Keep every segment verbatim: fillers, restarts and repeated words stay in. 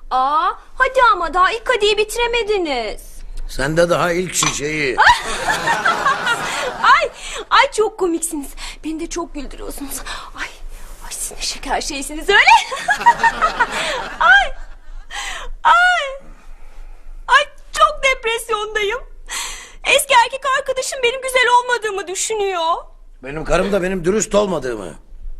Aa, hadi ama daha ilk kadeyi bitiremediniz. Sen de daha ilk şişeyi. Ay, ay çok komiksiniz. Beni de çok güldürüyorsunuz. Ay, ay siz ne şeker şeysiniz öyle. Ay, ay, ay çok depresyondayım. Eski erkek arkadaşım benim güzel olmadığımı düşünüyor. Benim karım da benim dürüst olmadığımı.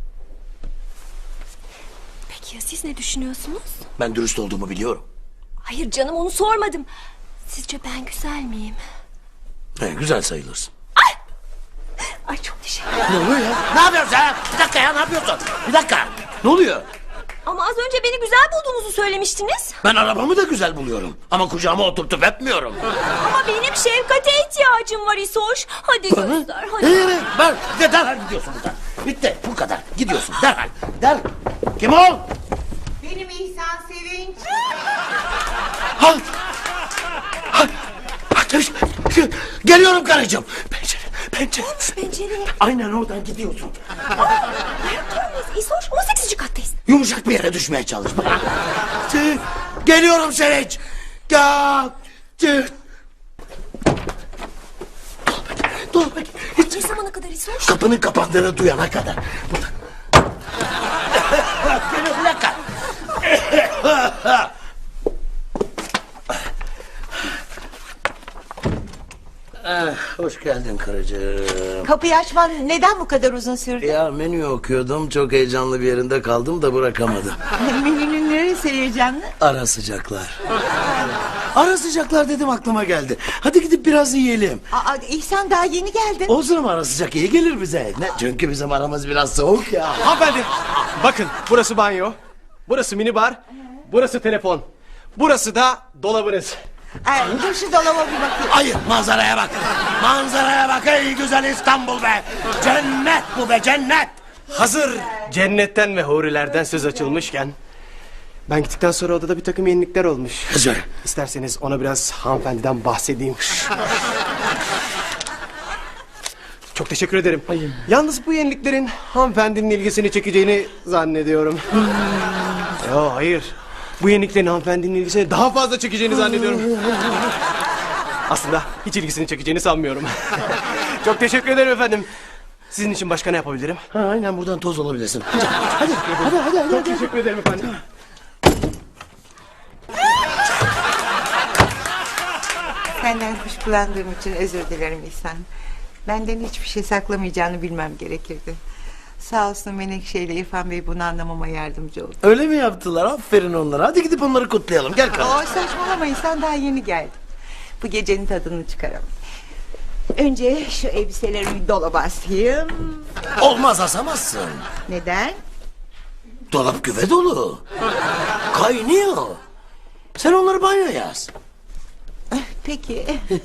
Peki ya siz ne düşünüyorsunuz? Ben dürüst olduğumu biliyorum. Hayır canım, onu sormadım. Sizce ben güzel miyim? He, güzel sayılırsın. Ay, ay çok teşekkür ederim. Ne oluyor ya? Ne yapıyorsun sen? Bir dakika ya, ne yapıyorsun? Bir dakika. Ne oluyor? Ama az önce beni güzel bulduğunuzu söylemiştiniz. Ben arabamı da güzel buluyorum. Ama kucağıma oturtup öpmüyorum. Ama benim şefkate ihtiyacım var İsoş. Hadi göster hadi. Hayır, ben de derhal gidiyorsun buradan. Bitti, bu kadar. Gidiyorsun derhal. Derhal. Kim ol? Benim İhsan Sevinç. Ha! Ha! Ha! Geliyorum karıcığım. Pencere, pencere. Pencereye. Aynen oradan gidiyorsun. Ayakta mıyız İsoş? on sekizinci kattayız. Yumuşak bir yere düşmeye çalış. Şey, geliyorum Sevinç. Ya. Dur bakayım. Ne zamana kadar İsoş? Kapının kapandığını duyana kadar. Burada. Geliyorum, bir dakika. Ah, hoş geldin karıcığım. Kapıyı açman neden bu kadar uzun sürdü? Ya menü okuyordum, çok heyecanlı bir yerinde kaldım da bırakamadım. Menünün neresi heyecanlı? Ara sıcaklar. Ara sıcaklar dedim, aklıma geldi. Hadi gidip biraz yiyelim. Aa, İhsan daha yeni geldin. Olsun ama ara sıcak iyi gelir bize. Ne? Çünkü bizim aramız biraz soğuk ya. Hanımefendi bakın, burası banyo, burası minibar, burası telefon, burası da dolabınız. Ay, dur şu dolaba bir bakayım. Hayır, manzaraya bak. Manzaraya bak ey güzel İstanbul be. Cennet bu be, cennet. Hazır cennetten ve hurilerden söz açılmışken, ben gittikten sonra odada bir takım yenilikler olmuş. Söyle. İsterseniz ona biraz hanımefendiden bahsedeyim. Çok teşekkür ederim. Yalnız bu yeniliklerin hanımefendinin ilgisini çekeceğini zannediyorum. Yo, hayır. Bu yeniliklerin hanımefendinin ilgisini daha fazla çekeceğini zannediyorum. Aslında hiç ilgisini çekeceğini sanmıyorum. Çok teşekkür ederim efendim. Sizin için başka ne yapabilirim? Ha, aynen buradan toz olabilirsin. Hadi, hadi, hadi, hadi, hadi. Çok teşekkür ederim efendim. Senden kuş kullandığım için özür dilerim İhsan. Benden hiçbir şey saklamayacağını bilmem gerekirdi. Sağ olsun Menekşe ile İrfan Bey bunu anlamama yardımcı oldu. Öyle mi yaptılar? Aferin onlara. Hadi gidip onları kutlayalım. Gel kardeşim. Oo, saçmalama İhsan, daha yeni geldi. Bu gecenin tadını çıkaralım. Önce şu elbiselerimi dolaba asayım. Olmaz, asamazsın. Neden? Dolap güve dolu. Kaynıyor. Sen onları banyoya as. Peki.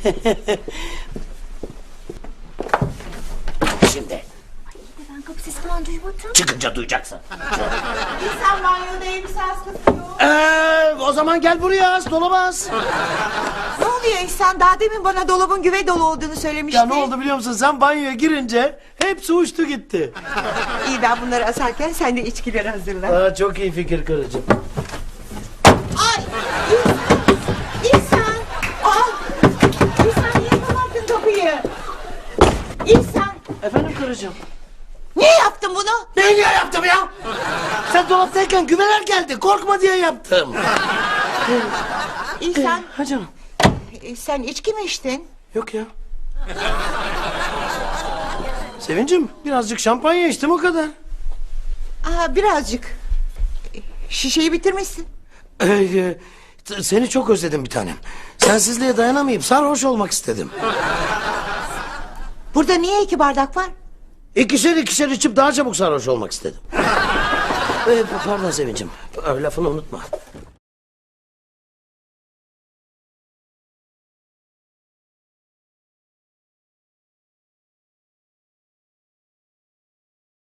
Şimdi Ben kapı sesi falan duymadım. çıkınca duyacaksın. İhsan banyoda elbise askısı yok. Ee, o zaman gel buraya as, dolaba as. Ne oluyor İhsan? Daha demin bana dolabın güve dolu olduğunu söylemiştin. Ya ne oldu biliyor musun? Sen banyoya girince hepsi uçtu gitti. İyi, ben bunları asarken sen de içkileri hazırla. Aa, çok iyi fikir karıcığım. Ay! İhsan! İhsan! Al! İhsan, niye kapattın kapıyı? İhsan! Efendim karıcığım. Niye yaptın bunu? Ne niye yaptım ya? Sen dolaptayken güveler geldi. Korkma diye yaptım. İhsan, Ha canım. e, sen içki mi içtin? Yok ya. Sevincim, birazcık şampanya içtim, o kadar. Aa, birazcık. E, Şişeyi bitirmişsin. Ee, e, t- seni çok özledim bir tanem. Sensizliğe dayanamayıp sarhoş olmak istedim. Burada niye iki bardak var? İkişer ikişer içip daha çabuk sarhoş olmak istedim. Ee, pardon Sevincim, lafını unutma.